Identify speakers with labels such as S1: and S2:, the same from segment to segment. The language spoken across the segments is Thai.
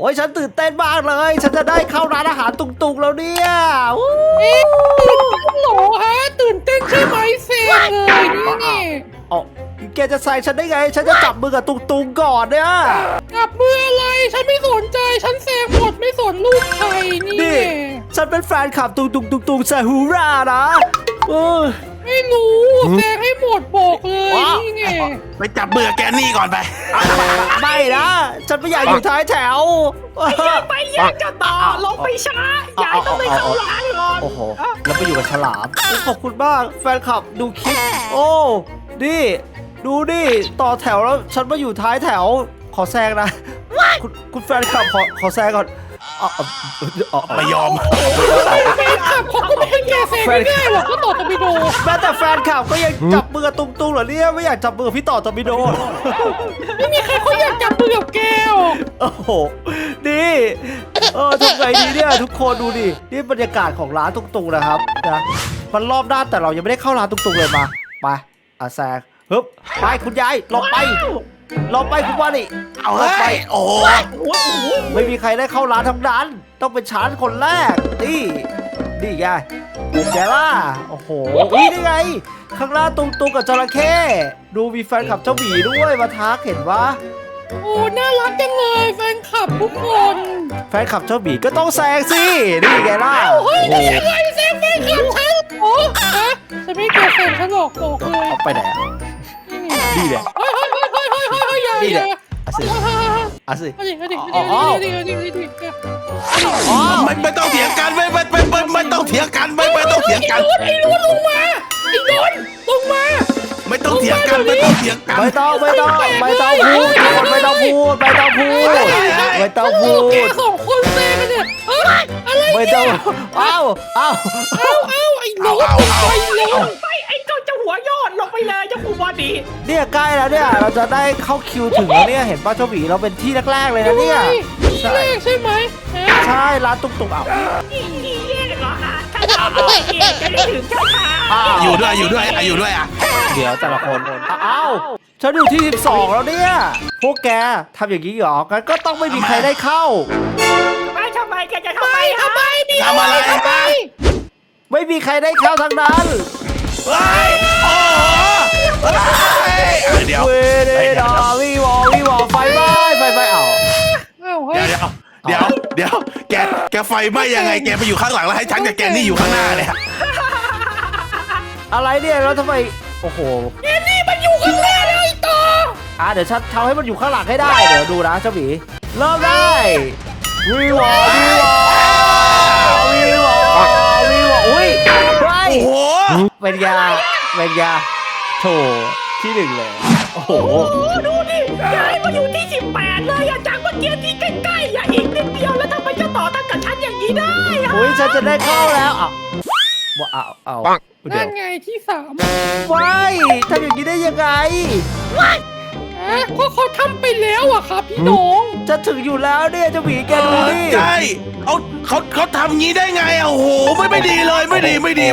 S1: อ้ยฉันตื่นเต้นมากเลยฉันจะได้เข้าร้านอาหารตุงๆแล้วเนี่ย
S2: หรอฮะตื่นเต้นใช่ไหมเซ็งเลยนี่
S1: อ๋อแกจะใส่ฉันได้ไงฉันจะจับมือกับตุงๆก่อนเนี่ย
S2: จับมืออะไรฉันไม่สนใจฉันแซงหมดไม่สนลูกใครนี่
S1: ฉันเป็นแฟนคลับตุงซาฮูรานะ
S2: ไม่รู้แซงให้หมดบอกเลยนี่ไง
S3: ไปจับมือแกนี่ก่อนไป
S1: ไม่นะฉันไม่อยากอยู่ท้ายแถว
S4: ไปแยกกันต่อลงไปช้ายายต้องไปเข้าร้านก่อน
S1: โอ้โหแล้วไปอยู่กับฉลามขอบคุณมากแฟนคลับดูคลิปโอ้ดิดูดิต่อแถวแล้วฉันมาอยู่ท้ายแถวขอแซงนะคุณแฟนคลับขอแซงก่อน
S3: ไม่ยอม
S2: แฟนคลับเขาก็ไม่ให้แกแซงไม่ได้หรอกก็ต่อตะบิโด
S1: แม้แต่แฟนคลับก็ยังจับมือกับตุงๆเหรอเนี่ยไม่อยากจับมือพี่ต่อตะบิโด
S2: ไม่มีใครเขาอยากจับมือกับแก
S1: โอ้โหดีทำไงดีเนี่ยทุกคนดูดินี่บรรยากาศของร้านตุงๆนะครับนะมันรอบด้านแต่เรายังไม่ได้เข้าร้านตุงๆเลยมาไปแซงฮึบไปคุณยายลงไปคุณว่านี่
S3: เอาไปโอ้
S1: ไม่มีใครได้เข้าร้านทั้งนั้นต้องเป็นฉันคนแรกนี่ไงเดี๋ยวล่ะโอ้โหนี่ไงข้างล่างตุงกับจระเข้ดูมีแฟนคลับเจ้าหมีด้วยมาทักเห็นปะ
S2: โอ้น่ารักจังเลยแฟนคลับทุกคน
S1: แฟนคลับเจ้าหมีก็ต้องแซงสินี่ไงล่ะ
S2: เฮ้ยยังไงแซงแฟนคลับฉันโอ้ฮะจะไม่เกิดแซงฉันหรอกบอกเลย
S1: เอาไปไหนนี่แหละ
S2: นี่แหละ
S1: สิ
S3: ไม่ต้องเถียงกันไม่ต้องเถียงกันไม่ต้องเถียงกัน
S2: ไอ้ลุ้นลงมาไอ้ลุ้นลงมา
S3: ไม่ต้องเถียงกันไม่ต้องเถียงกัน
S1: ไม่ต้องพูด
S2: แกสองคนแซงกันเนี่ยอะไร
S1: ไม่ต้องเอ้า
S2: ไอ้ลุ้น
S4: ไปไอ้เจ้าหัวยอดลงไปเลยเจ้าผู้บอดี
S1: เนี่ยใกล้แล้วเนี่ยเราจะได้เข้าคิวถึงแล้วเนี่ยเห็นป้าเจ้าหมีเราเป็นที่แรกๆเลยนะเนี่ย
S2: ที่แรกใช่ไหม
S1: ใช่ร้านตุกๆ
S4: ที่แยกเหรอฮะถ้าเราบอกเองจะได้ถึงช้า
S3: อยู่ด้วยอ่ะ
S1: เดี๋ยวแต่ละคนอ้าวฉันอยู่ที่12แล้วเนี่ยพวกแกทำอย่างนี้หรอกันก็ต้องไม่มีใครได้เข้า
S4: ทำไมแกจะทำไม
S1: ไม่มีใครได้เข้าทั้งนั้น
S3: เดี๋ยว
S1: วิวไฟไหม้
S3: เดี๋ยวแกไฟไหม้ยังไงแกไปอยู่ข้างหลังแล้วให้ฉันกับแกนี่อยู่ข้างหน้าเนี่ย
S1: อะไรเนี่ยแล้วทำไมโอ้โห
S2: แกนี่มันอยู่ข้างหน้าเลยต่อ
S1: เดี๋ยวฉันทำให้มันอยู่ข้างหลังให้ได้เดี๋ยวดูนะเจ้าหมีเริ่มได้วิวอุ้ย
S3: โอ้โห
S1: เป็นยาโถที่1เลยโอ้โห
S4: ดูดิยายมาอยู่ที่18เลยจากเมื่อกี้ที่ใกล้ๆอีกนิดเดียวแล้วทำไมจะต่อตั้งกับฉันอย่างนี้ได้
S1: อุ้ยฉันจะได้เข้าแล้ว
S2: นั่นไงที่3
S1: ว้ายทำอย่างนี้ได้ยังไง
S2: ก็เขาทำไปแล้วอะครับพี่น้อง
S1: จะถึงอยู่แล้วเนี่ยจะหวีแกดูดิ
S3: ใช่เขาทำงี้ได้ไงโอ้โหไม่ดีเลยไม่ดีเลย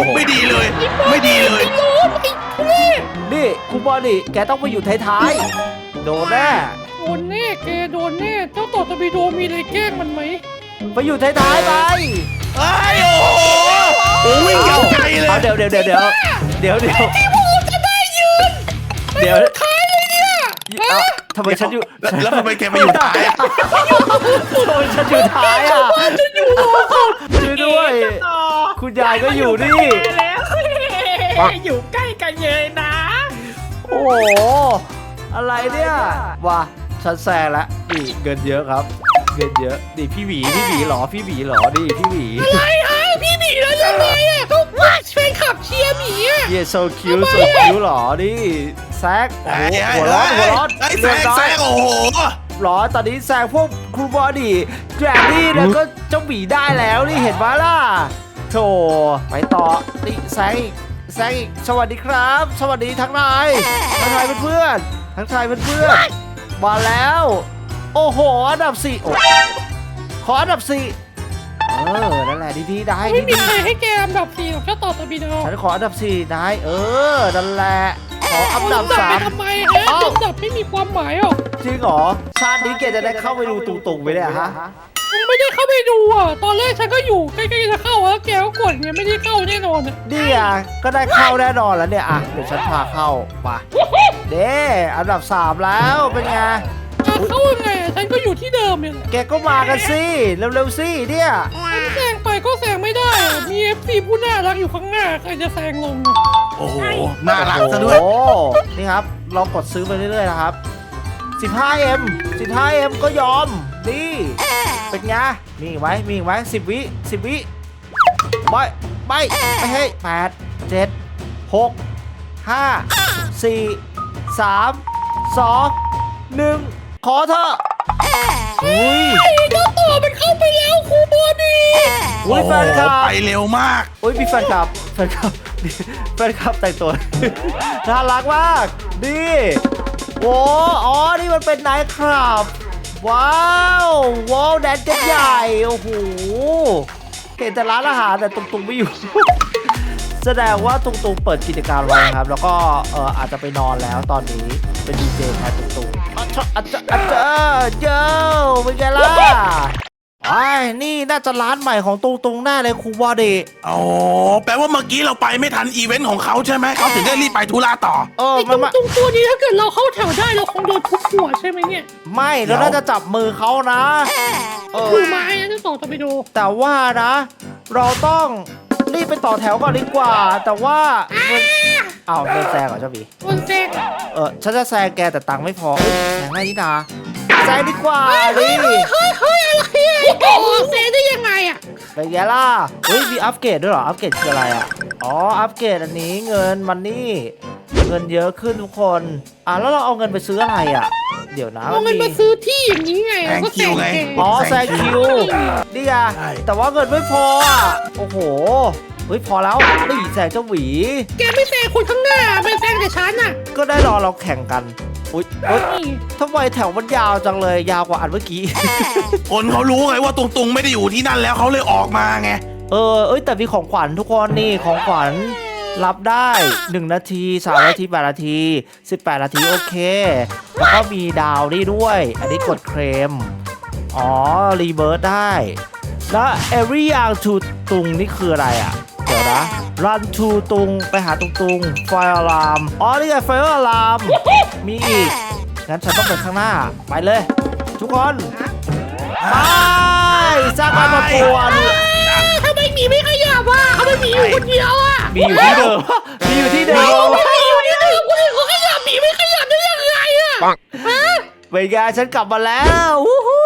S1: นี่คุณบอลนี่แกต้องไปอยู่ท้ายๆโดนแน่
S2: แกโดนแน่เจ้าต่อตะบีโดมีอะไรแกล้งมันไหม
S1: ไปอยู่ท้ายๆไป
S3: โอ้วิ่งยาวไกลเลย
S1: เดี๋ยว
S2: ที่พวกเราจะได้ยืนท้ายเลยเนี่ย
S1: ทำไมฉันอยู่
S3: แล้วทำไมแกไปอยู่ท้าย
S1: โดนฉันอยู่ท้าย
S2: ฉันอยู่
S1: ช่วยด้วยคุณยายก็อยู่นี่
S4: แล้วอยู่ใกล้กันเลยนะ
S1: โอ้อะไรเนี่ยว้าฉันแซงแล้วนี่เงินเยอะครับเงินเยอะนี่พี่หวีเหรอนี่พี่หวี
S2: อะไรพี่หวีแล้วยังไงก็แฟนคลับเชียร์หมี
S1: โซคิวเหรอนี่แซกหัวร้อน
S3: แซกโอ้โห
S1: หรอตอนนี้แซงพวกครูบอดี้แกรนดี้แล้วก็เจ้าหมีได้แล้วนี่เห็นไหมล่ะโธ่ไปต่อนี่แซงอีกสวัสดีครับสวัสดีทั้งนายเพื่อนมาแล้วโอ้โหอันดับ4ขออันดับ4นั่นแหละดีได้
S2: ไม่มีใครให้แกอันดับ4หรอกเจ้าต่อตะบีโด
S1: ฉันขออันดับ4ได้นั่นแหละขขออันดับ
S2: ไป
S1: 3
S2: ทำไมฮะอันดับไม่มีความหมายหรอก
S1: จริงเหรอชาตินี้แกจะได้เข้าไปดูตุงๆไหมเนี่ยฮะ
S2: มึงไม่ได้เข้าไปดูอ่ะตอนแรกฉันก็อยู่ใกล้ๆจะเข้าแล้วแกก็กดเนี่ยไม่ได้เข้าแน่นอนอ่ะ
S1: นี่อ่ะก็ได้เข้าแน่นอนแล้วเนี่ยอ่ะเดี๋ยวฉันพาเข้ามาเด้อันดับ 3 แล้วเป็นไง
S2: เข้ายังไงฉันก็อยู่ที่เดิมเนี่ยแหละ
S1: แกก็มากันสิเร็วๆสิเนี่ย
S2: ฉันแซงไปก็แซงไม่ได้อะมี FC ผู้น่ารักอยู่ข้างหน้าใครจะแซงลงอะ
S3: โอ้โหน่ารักซะด้วย
S1: โอ้นี่ครับเรากดซื้อไปเรื่อยๆนะครับ 15M 15M ก็ยอมนี่เป็นไงมีอีกไหมมีอีกไหม10 วิ10 วิไม่ให้8 7 6 5 4 3 2 1ขอเถอะอุ้ย
S2: ไอ้เจ้าตัวมันเข้าไปแล้วครูบอดี
S1: อุ้ยแฟนคลับ
S3: ไปเร็วมาก
S1: อุ้ยมีแฟนคลับแฟนคลับแต่งตัว น่ารักมากนี่โอ้อ๋อนี่มันเป็นไนท์คลับว้าวแดนเจ็ตใหญ่โอ้โหเห็นแต่ร้านอาหารแต่ตุงๆไม่อยู่ แสดงว่าตุงๆเปิดกิจการไว้ครับแล้วก็อาจจะไปนอนแล้วตอนนี้เป็นดีเจแทนตุงๆอาจจะเจ้าเป็นไงล่ะไอ้นี่น่าจะร้านใหม่ของตุงๆแน่เลยครูบอดี
S3: อ๋อแปลว่าเมื่อกี้เราไปไม่ทันอีเวนต์ของเขาใช่ไหมเขาถึงได้รีบไปธุระต่อ
S2: ไอ้
S1: มัน
S2: ตรงตัวนี้ถ้าเกิดเราเข้าแถวได้เราคงโดนทุบหัวใช่ไหมเนี่ย
S1: ไม่เราน่าจะจับมือเขานะเออ
S2: มือไม้นะเจ้าต่อจะไปดู
S1: แต่ว่านะ เราต้องรีบไปต่อแถวก่อนดีกว่า แต่ว่าเงินอ้าวเดินแซงเหรอเจ้าบี
S2: คนแซง
S1: ฉันจะแซงแกแต่ตังค์ไม่พอเอ้ยแซงได้นี่นาแซงดีกว่าดิ
S2: เฮ้ยอะไรอ่ะแซงได้ยังไงอ่ะ
S1: เป็นไงล่ะเฮ้ยมีอัปเกรดด้วยเหรออัปเกรดคืออะไรอ่ะอ๋ออัปเกรดอันนี้เงินมันนี่เงินเยอะขึ้นทุกคนแล้วเราเอาเงินไปซื้ออะไรอ่ะ เดี๋ยวนะ
S2: เอาเงินมาซื้อที่อย่างนี้ไง
S3: แซงคิวไง
S1: อ๋อแซงคิวนี่ไง
S3: ใช่
S1: แต่ว่าเงินไม่พออ่ะโอ้โหเฮ้ยพอแล้วนี่แซงเจ้าหวี
S2: แกไม่แซงคนข้างหน้าไม่แซงแต่ฉันน่ะ
S1: ก็ได้รอเราแข่งกันอุ๊ยเฮ้ย
S2: นี่
S1: ทำไมแถวมันยาวจังเลยยาวกว่าอันเมื่อกี้
S3: คนเขารู้ไงว่าตุงๆไม่ได้อยู่ที่นั่นแล้วเขาเลยออกมาไง
S1: เอ้ยแต่มีของขวัญทุกคนนี่ของขวัญรับได้1 นาที3 นาที8 นาที18 นาทีโอเค แล้วก็มีดาวนี่ด้วย อันนี้กดเคลมอ๋อรีเบิร์ตได้ แล้ว every young to ตุงนี่คืออะไรอ่ะ เดี๋ยวนะ run to ตุงไปหาตุง fire alarm อ๋อนี่ไง fire alarm มีอีก งั้นฉันต้องไปข้างหน้า ไปเลย ทุกคนไปสร้างการประกวด
S2: ทำไมหมีไม่ขยับอ่ะทำไมหมีอยู่คนเดียวอ่ะ
S1: มีอยู่ที่เดิม มีอยู่ที่เดิม
S2: หมีอยู่ที่เดิมคนอื่นเขาขยับหมีไม่ขยับได้ยังไงอ่ะฮะ
S1: เป็นไงฉันกลับมาแล้ววู้ฮู้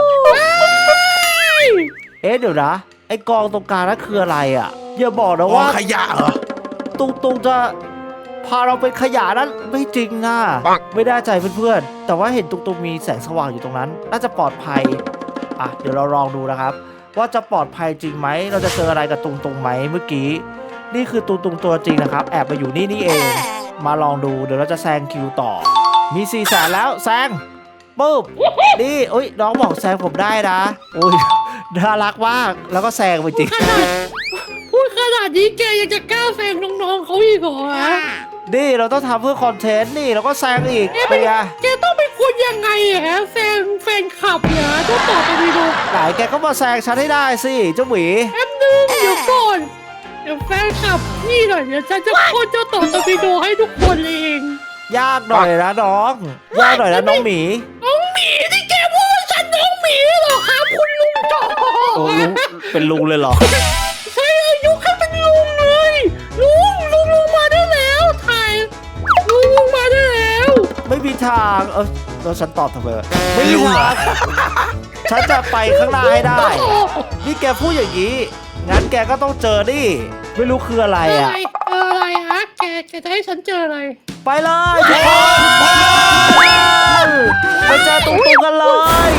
S1: เอ๊ะเดี๋ยวนะ ไอ้กองตรงกลางนั่นคืออะไรอ่ะ อย่าบอกนะ
S3: ว่า
S1: ว่า
S3: ขยะเหรอ
S1: ตุงจะพาเราเป็นขยะนั้นไม่จริงอ่ะ ไม่ได้ใจเพื่อนๆ แต่ว่าเห็นตุงมีแสงสว่างอยู่ตรงนั้น น่าจะปลอดภัย เดี๋ยวเราลองดูนะครับ ว่าจะปลอดภัยจริงไหม เราจะเจออะไรกับตุงไหมเมื่อกี้ นี่คือตุงตัวจริงนะครับ แอบมาอยู่นี่เอง มาลองดู เดี๋ยวเราจะแซงคิวต่อ มี4 แสนแล้วแซงปุ๊บนี่อุ้ยน้องบอกแซงผมได้นะอุ้ยน่ารักมาก แล้วก็แซงไปจริง
S2: พูดขนาดนี้แกยังจะกล้าแซงน้องๆเขาอีกเหรอฮะ
S1: นี่เราต้องทำเพื่อคอนเทนต์นี่เราก็แซงอีก
S2: แก
S1: เป็นไง
S2: แกต้องเป็นคนยังไงอะฮะแซงแฟนคลับเหรอต้องตอบไปดู
S1: ไหนแกก็มาแซงฉันให้ได้สิเจ้าหมี
S2: แป๊บนึงเดี๋ยวก่อนเดี๋ยวแฟนคลับนี่หน่อยเดี๋ยวฉันจะโคตรเจ้าต่อตวิโดให้ทุกคนเอง
S1: ยากหน่อยนะน้องยากหน่อยนะน้องหมี
S2: น้องหมีที่แกพูดว่าฉันน้องหมีเหรอครับคุณลุงจ่อ
S1: โอ้ลุงเป็นลุงเลยเหรอ
S2: ใช่อายุแค่เป็นลุงเลยลุงมาได้แล้วถ่ายลุงมาได้แล้ว
S1: ไม่มีทางแล้วฉันตอบทำไมวะไม่มีทางฉันจะไปข้างหน้าให้ได้ นี่แกพูดอย่างนี้ งั้นแกก็ต้องเจอดิไม่รู้คืออะไรอ่ะ
S2: อะไรฮะแกจะให้ฉันเจออะไร
S1: ไปเลยทุกคนไปเจอตุงกันเลย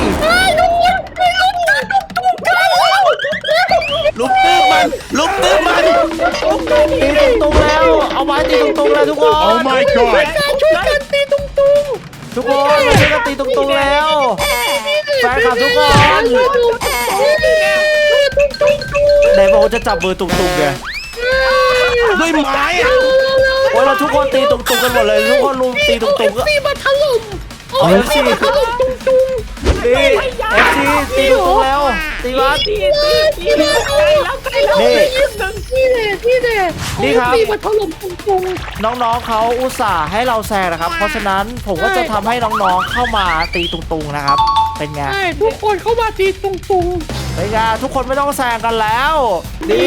S3: ลุกตื้อมันลุกตื้อมัน
S1: ตีตุงแล้ว เอาไม้ตีตุงแล้วทุกคน
S3: Oh my god
S2: ช่วยกันตีตุ้ง
S1: ทุกคนมาช่วยกันตีตุงแล้ว แฟนคลับทุกคน ไหนบอกว่าจะจับมือตุงไง
S3: ด้วยไม้อะ
S1: โอ้อ้ยเราทุกคนตีตุงๆกันหมดเลยทุกคนรุมตีตุงๆก็
S2: FC มาถล่ม
S1: เอา FC
S2: มาถล่มจุง
S1: นี่ FC ตีตุงๆแล้วตีวัด
S4: ตีใกล้แล้วใกล้แล้ว
S1: นี่
S4: นิดนึง
S2: ๆนี่แหละ
S1: นี่ครับ
S2: FC มาถล่มจุง
S1: น้องๆเขาอุตส่าห์ให้เราแซงนะครับ เพราะฉะนั้นผมก็จะทำให้น้องๆเข้ามาตีตุงๆนะครับ เป็นไง
S2: ใช่ทุกคนเข้ามาตีตุง
S1: เป็นไงทุกคนไม่ต้องแซงกันแล้วดี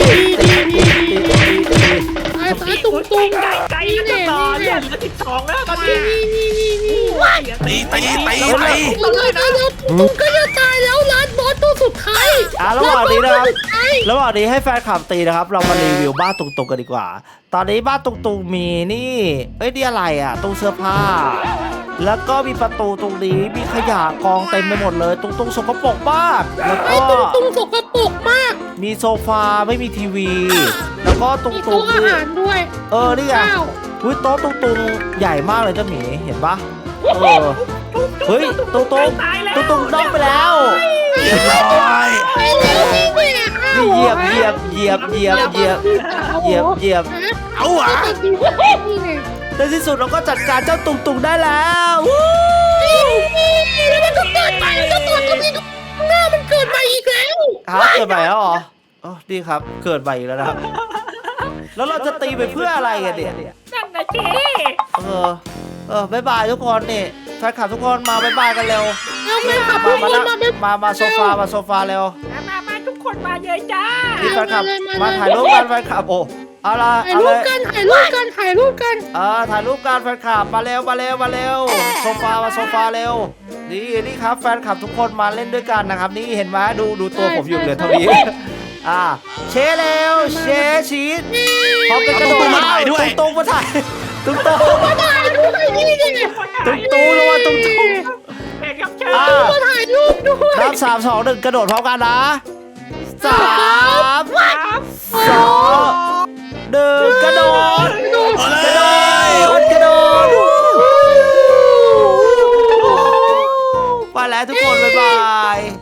S2: ๆสายตุง
S4: ใกล้แล้วจะต่อเนี่ยเหลือ12แล้วตอนนี้
S3: ตี
S2: แล้วตุงก็จะตายแล้วร้านบอสตัวสุดท้าย
S1: ระหว่างนี้นะครับ
S2: สุดท้าย
S1: ระหว่างนี้ให้แฟนคลับตีนะครับ เรามารีวิวบ้านตุงๆกันดีกว่า ตอนนี้บ้านตุงๆมีนี่นี่อะไรอ่ะตู้เสื้อผ้า แล้วก็มีประตูตรงนี้มีขยะกองเต็มไปหมดเลยตุงๆสกปรกมากแล้ว
S2: ไอ้
S1: ก็
S2: ตุงสกปรกมาก
S1: มีโซฟาไม่มีทีวี แล้วก็ตุ
S2: มี
S1: ง
S2: โต๊ะ
S1: ๆ
S2: อา
S1: นี่
S2: หารด้วย
S1: นี่ไง
S2: ข้าว
S1: อุ้ยโต๊ะตุงๆใหญ่มากเลยเจ้าหมีเห็นปะเฮ้ยตุงนอกไปแล้ว
S3: เรียบร้อย
S2: ไอ้แล้วนี่แหละข้าว
S1: นี่เหยียบ
S3: เอาหวะ
S2: นี่ไง
S1: ในที่สุดเราก็จัดการเจ้าตุงๆได้แล้ววู้
S2: แล้วมันก็เกิดใหม่แล้วตัวนี้หน้ามันเกิดใหม่อีกแล้ว
S1: เกิดใหม่แล้วเหรออ๋อดีครับเกิดใหม่อีกแล้วนะครับแล้วเราจะตีไปเพื่ออะไรกันเนี่ย
S4: นั่นนะเจ๊
S1: บ๊ายบายทุกคนนี่แฟนคลับทุกคนมาบ๊ายบายกันเร็ว
S2: เอาแม่ขับทุกคนมาเป็น
S1: มาโซฟาเร็ว
S4: มาทุกคนมาเลยจ้า
S1: นี่แฟนคลับมาถ่ายรูปกันแฟนคลับโอ้เอาละ
S2: ถ่ายรูปกันถ่ายรูปกัน
S1: ถ่ายรูปกันแฟนคลับมาเร็วโซฟาเร็วนี่ครับแฟนคลับทุกคนมาเล่นด้วยกันนะครับนี่เห็นไหมดูตัวผมอยู่เหลือเท่านี้เชเร็วเชชีสพร้อมกันกระโดดมาถ่ายด้วยตุงมาถ่ายตุง
S2: มาถ่ายรูปนี่ดิ
S1: ลงมาตุง
S4: เอกกับเชิ
S2: มาถ่ายรูปด้วย
S1: นับ3 2 1กระโดดพร้อมกันนะ3 2 1กระโดด
S3: เอาเลย
S1: กระโดดไปแล้วทุกคนบ๊ายบาย